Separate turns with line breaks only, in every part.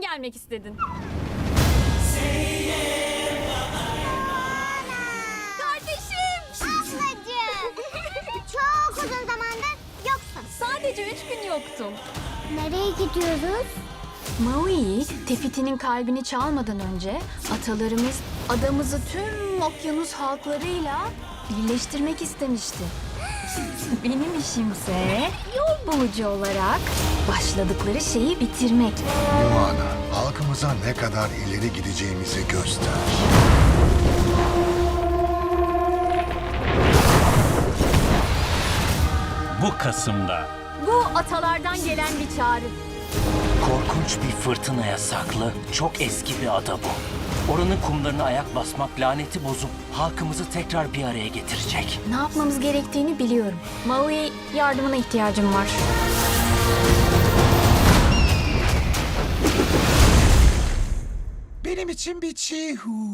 gelmek istedin? Kardeşim!
Ablacığım. Çok uzun zamandır yoksun.
Sadece 3 gün yoktum.
Nereye gidiyoruz?
Maui, Tefiti'nin kalbini çalmadan önce atalarımız adamızı tüm okyanus halklarıyla birleştirmek istemişti. Benim işimse yol bulucu olarak başladıkları şeyi bitirmek.
Moana, halkımıza ne kadar ileri gideceğimizi göster.
Bu Kasım'da
Bu atalardan gelen bir çağrı.
Korkunç bir fırtınaya saklı, çok eski bir ada bu. Oranın kumlarına ayak basmak laneti bozup halkımızı tekrar bir araya getirecek.
Ne yapmamız gerektiğini biliyorum. Maui, yardımına ihtiyacım var.
Benim için bir çiğhu.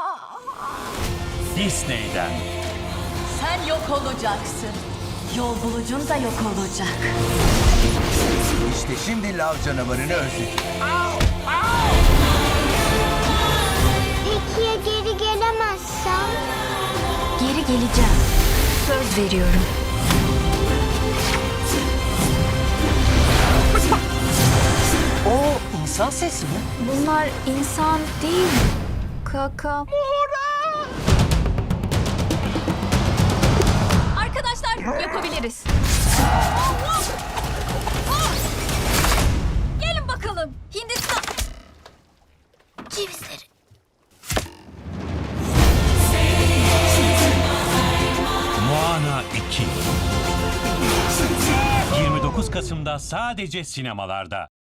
Disney'den
Sen yok olacaksın. Yol bulucun da yok olacak.
İşte şimdi lav canavarını özledim.
Peki ya geri gelemezsem?
Geri geleceğim. Söz veriyorum.
O insan sesi mi?
Bunlar insan değil. Kaka.
Arkadaşlar yapabiliriz. Gelin bakalım. Hindistan.
Cevizleri.
Moana 2. 29 Kasım'da sadece sinemalarda.